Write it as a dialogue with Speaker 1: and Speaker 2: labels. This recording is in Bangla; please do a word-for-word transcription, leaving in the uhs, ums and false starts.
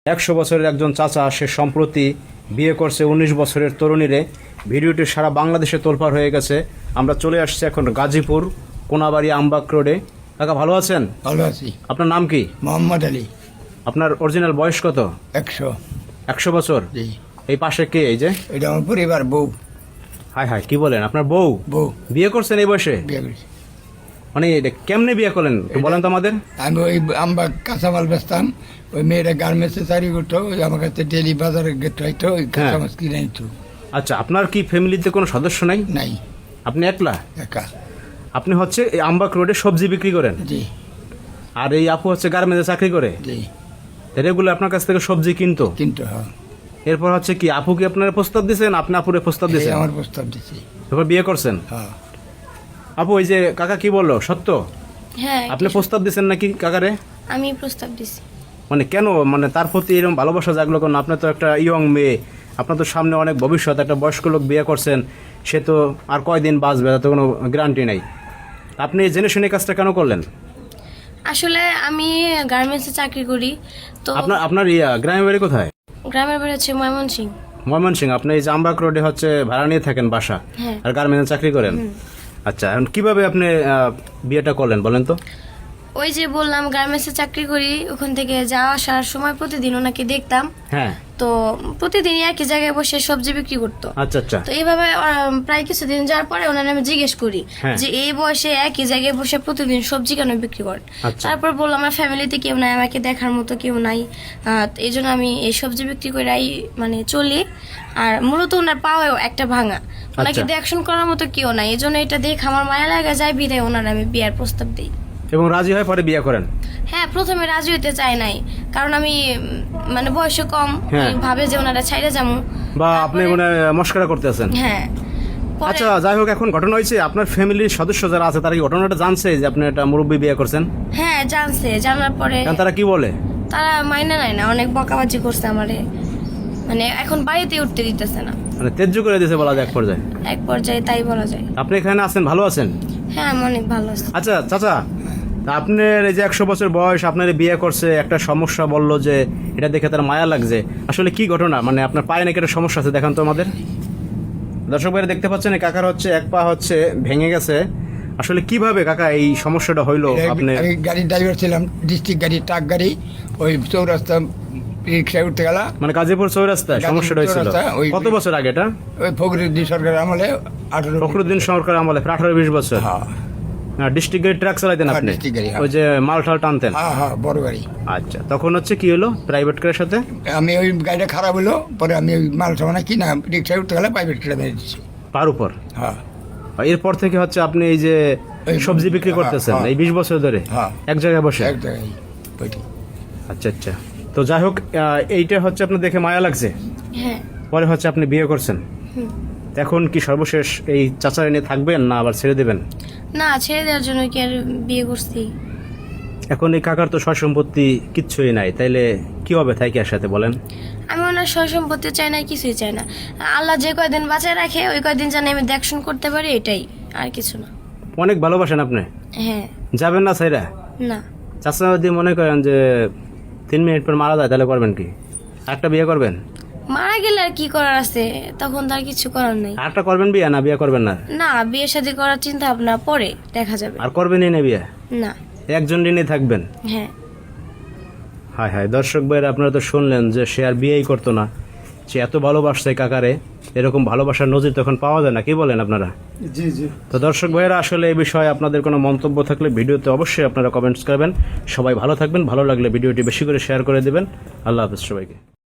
Speaker 1: একশো বছরের একজন চাচা সে সম্প্রতি বিয়ে করছে উনিশ বছরের তরুণীরে। ভিডিওটি সারা বাংলাদেশে তোলপাড় হয়ে গেছে। আমরা চলে আসছি এখন গাজীপুর কোনাবাড়ি আমবাগ রোডে। কাকা ভালো আছেন?
Speaker 2: ভালো আছি।
Speaker 1: আপনার নাম কি?
Speaker 2: মোহাম্মদ আলী।
Speaker 1: আপনার অরিজিনাল বয়স কত?
Speaker 2: একশো।
Speaker 1: একশো বছর?
Speaker 2: জি।
Speaker 1: এই পাশে কে? এই যে
Speaker 2: এটা আমার পরিবার, বউ।
Speaker 1: হাই হাই, কি বলেন? আপনার বউ
Speaker 2: বউ
Speaker 1: বিয়ে করছেন এই বয়সে?
Speaker 2: বিয়ে করেছি।
Speaker 1: মানে এটা কেমনে বিয়ে করলেন একটু বলেন তো আমাদের।
Speaker 2: আমি ওই আমরা কাঁচামাল বেচতাম, ওই মেয়েরা গার্মেন্টসে চাকরি করতো, ওই আমার কাছে ডেলি বাজারে গেতে হইতো, ওই কাঁচামাল কিনে নিত।
Speaker 1: আচ্ছা, আপনার কি ফ্যামিলিতে কোনো সদস্য নাই?
Speaker 2: নাই।
Speaker 1: আপনি একলা?
Speaker 2: একা।
Speaker 1: আপনি হচ্ছে এই আমবাগ রোডে সবজি বিক্রি করেন?
Speaker 2: জি।
Speaker 1: আর এই আপু হচ্ছে গার্মেন্টসে চাকরি করে?
Speaker 2: জি।
Speaker 1: রেগুলার আপনার কাছ থেকে সবজি কিনতো?
Speaker 2: কিন্তু হ্যাঁ।
Speaker 1: এরপর হচ্ছে কি আপু কি আপনার প্রস্তাব দিয়েছেন, আপনি আপুরে প্রস্তাব
Speaker 2: এই
Speaker 1: দিয়েছেন?
Speaker 2: আমার প্রস্তাব দিছি।
Speaker 1: এরপর বিয়ে করছেন?
Speaker 2: হ্যাঁ।
Speaker 1: আপু এই যে কাকা কি বললো সত্য?
Speaker 3: হ্যাঁ,
Speaker 1: আপনি প্রস্তাব দিয়েছেন নাকি কাকারে?
Speaker 3: আমি প্রস্তাব দিছি।
Speaker 1: মানে কেন, মানে তার প্রতি এরকম ভালোবাসা জাগলো কেন? আপনি তো একটা ইয়ং মেয়ে, আপনার তো সামনে অনেক ভবিষ্যৎ, একটা বয়স্ক লোক বিয়ে করছেন, সে তো আর কয়দিন বাঁচবে তার তো কোনো গ্যারান্টি নাই। আপনি জেনে শুনে কাজটা কেন করলেন?
Speaker 3: আসলে আমি গার্মেন্টসে চাকরি করি, তো
Speaker 1: আপনার আপনার ইয়া গ্রামের বাড়ি কোথায়?
Speaker 3: গ্রামের বাড়ি হচ্ছে ময়মনসিং।
Speaker 1: ময়মনসিং। আপনি এই যে আমবাগ রোডে হচ্ছে ভাড়া নিয়ে থাকেন বাসা,
Speaker 3: হ্যাঁ।
Speaker 1: আর গার্মেন্টসে চাকরি করেন? আচ্ছা, এখন কিভাবে আপনি আহ, বিয়েটা করলেন বলেন তো?
Speaker 3: ওই যে বললাম গার্মেন্টসে চাকরি করি, ওখান থেকে যাওয়া আসার সময় প্রতিদিন ওনাকে দেখতাম।
Speaker 1: হ্যাঁ।
Speaker 3: তো প্রতিদিনই একই জায়গায় বসে সবজি বিক্রি করতো।
Speaker 1: আচ্ছা আচ্ছা।
Speaker 3: তো এইভাবে আহ, প্রায় কিছুদিন যাওয়ার পরে ওনার আমি জিজ্ঞেস করি
Speaker 1: হ্যাঁ।
Speaker 3: যে এই বয়সে একই জায়গায় বসে প্রতিদিন সবজি কেন বিক্রি করেন?
Speaker 1: আচ্ছা।
Speaker 3: তারপর বললাম আমার ফ্যামিলিতে কেউ নাই, আমাকে দেখার মতো কেউ নাই, আহ, তো এই জন্য আমি এই সবজি বিক্রি করেই মানে চলি। আর মূলত ওনার পাওয়াও একটা ভাঙা, ওনাকে
Speaker 1: আচ্ছা।
Speaker 3: দেখশন করার মতো কেউ নাই, এই জন্য এটা দেখে আমার মায়া লাগা যায়, বিদায় ওনার আমি বিয়ার প্রস্তাব দিই।
Speaker 1: এবং রাজি হয় পরে বিয়ে করেন?
Speaker 3: হ্যাঁ, প্রথমে রাজি হইতে চাই নাই, কারণ আমি উম, মানে বয়সে কম,
Speaker 1: হ্যাঁ।
Speaker 3: আমি ভাবে যে ওনারা ছাইড়ে যাবো।
Speaker 1: বা আপনি
Speaker 3: তারপরে-
Speaker 1: মানে মস্করা করতে আছেন?
Speaker 3: হ্যাঁ। পরে-
Speaker 1: আচ্ছা, যাই হোক, এখন ঘটনা হয়েছে আপনার ফ্যামিলির সদস্য যারা আছে তারা কি ঘটনাটা জানছে যে আপনি একটা মুরব্বী বিয়ে করছেন?
Speaker 3: হ্যাঁ, জানছে। জানার পরে
Speaker 1: কারণ তারা কি বলে?
Speaker 3: তারা মাইনা নেয় না, অনেক বকাবাজি করছে আমারে, মানে এখন বাড়িতে উঠতে দিতেছে না,
Speaker 1: মানে তেজ্য করে দিয়েছে বলা যায় এক পর্যায়ে।
Speaker 3: এক পর্যায়ে তাই বলা যায়।
Speaker 1: আপনি এখানে আছেন, ভালো আছেন?
Speaker 3: হ্যাঁ, আমি অনেক ভালো আছি।
Speaker 1: আচ্ছা চাচা, তা আপনার এই যে একশো বছর বয়স, আপনার বিয়ে করছে, একটা সমস্যা বললো যে এটা দেখে তার মায়া লাগছে, আসলে কি ঘটনা? মানে আপনার পায়ে নাকি একটা সমস্যা আছে, দেখান তো আমাদের। দর্শক ভাইরা দেখতে পাচ্ছেন এই কাকার হচ্ছে এক পা হচ্ছে ভেঙে গেছে। আসলে কিভাবে কাকা এই সমস্যাটা হইলো? আপনি
Speaker 2: আমি গাড়ির ড্রাইভার ছিলাম, ডিস্ট্রিক্ট গাড়ি, ট্রাক গাড়ি, ওই চৌরাস্তা রিক্সায় উঠতে গেলা,
Speaker 1: মানে গাজীপুর চৌরাস্তায়
Speaker 2: গাজীপুর
Speaker 1: সমস্যাটা হয়েছিল?
Speaker 2: চৌরাস্তা, ওই-
Speaker 1: কত বছর আগে এটা?
Speaker 2: ওই ফখরুদ্দিন সরকার আমলে আঠারো।
Speaker 1: ফখরুদ্দিন সরকার আমলে প্রায় আঠারো বিশ বছর।
Speaker 2: হ্যাঁ
Speaker 1: ডিস্ট্রিক্ট গাড়ি ট্রাক চালাইতেন
Speaker 2: হ্যাঁ,
Speaker 1: আপনি?
Speaker 2: district গাড়ি, হ্যাঁ।
Speaker 1: ওই যে মাল টাল টানতেন?
Speaker 2: হ্যাঁ হ্যাঁ, বড় গাড়ি।
Speaker 1: আচ্ছা, তখন হচ্ছে কি হলো প্রাইভেট কারের সাথে?
Speaker 2: আমি ওই গাড়িটা খারাপ হলো, পরে আমি ওই মাল সামানা কিনা রিক্সায় উঠতে গেলে প্রাইভেট কেটে মেরে দিচ্ছি।
Speaker 1: পার উপর?
Speaker 2: হ্যাঁ।
Speaker 1: এরপর থেকে হচ্ছে আপনি এই যে
Speaker 2: এই
Speaker 1: সবজি বিক্রি
Speaker 2: হ্যাঁ,
Speaker 1: করতেছেন
Speaker 2: হ্যাঁ।
Speaker 1: এই বিশ বছর ধরে
Speaker 2: হ্যাঁ।
Speaker 1: এক জায়গায় বসে?
Speaker 2: এক জায়গায় বৈঠি।
Speaker 1: আচ্ছা আচ্ছা। তো যাই হোক, আহ, এইটা হচ্ছে আপনার দেখে মায়া লাগছে,
Speaker 3: হ্যাঁ।
Speaker 1: পরে হচ্ছে আপনি বিয়ে করছেন।
Speaker 3: হুম।
Speaker 1: এখন কি সর্বশেষ এই চাচার নিয়ে থাকবেন না আবার ছেড়ে দেবেন?
Speaker 3: না, ছেড়ে দেওয়ার জন্য কি আর বিয়ে করছি?
Speaker 1: এখন এই কাকার তো সয় সম্পত্তি কিচ্ছুই নাই, তাইলে কি হবে থাকি আর সাথে বলেন?
Speaker 3: আমি ওনার সয় সম্পত্তি চাই না, কিছুই চাই না। আল্লাহ যে কয়দিন বাঁচায় রাখে ওই কয়দিন জানি আমি দেখশন করতে পারি, এটাই, আর কিছু না।
Speaker 1: অনেক ভালোবাসেন আপনি,
Speaker 3: হ্যাঁ।
Speaker 1: যাবেন না সাইরা?
Speaker 3: না।
Speaker 1: চাচা যদি মনে করেন যে তিন মিনিট পর মারা যায় তাহলে করবেন কি? একটা বিয়ে করবেন?
Speaker 3: মারা গেলে আর কি করার আছে, তখন তার কিছু করার নেই।
Speaker 1: আরেকটা করবেন বিয়ে, না বিয়ে করবেন না?
Speaker 3: না, বিয়ে শাদী করার চিন্তা ভাবনা পরে দেখা যাবে।
Speaker 1: আর করবেনই না বিয়ে?
Speaker 3: না।
Speaker 1: একজন নিয়ে থাকবেন?
Speaker 3: হ্যাঁ।
Speaker 1: হায় হায়, দর্শক ভাইরা আপনারা তো শুনলেন যে সে আর বিয়েই করতো না, সে এত ভালোবাসছে কাকারে। এরকম ভালোবাসার নজির তখন পাওয়া যায় না, কি বলেন আপনারা?
Speaker 2: জি জি।
Speaker 1: তো দর্শক ভাইরা, আসলে এই বিষয়ে আপনাদের কোনো মন্তব্য থাকলে ভিডিওতে অবশ্যই আপনারা কমেন্টস করবেন। সবাই ভালো থাকবেন, ভালো লাগলে ভিডিওটি বেশি করে শেয়ার করে দেবেন। আল্লাহ হাফেজ সবাইকে।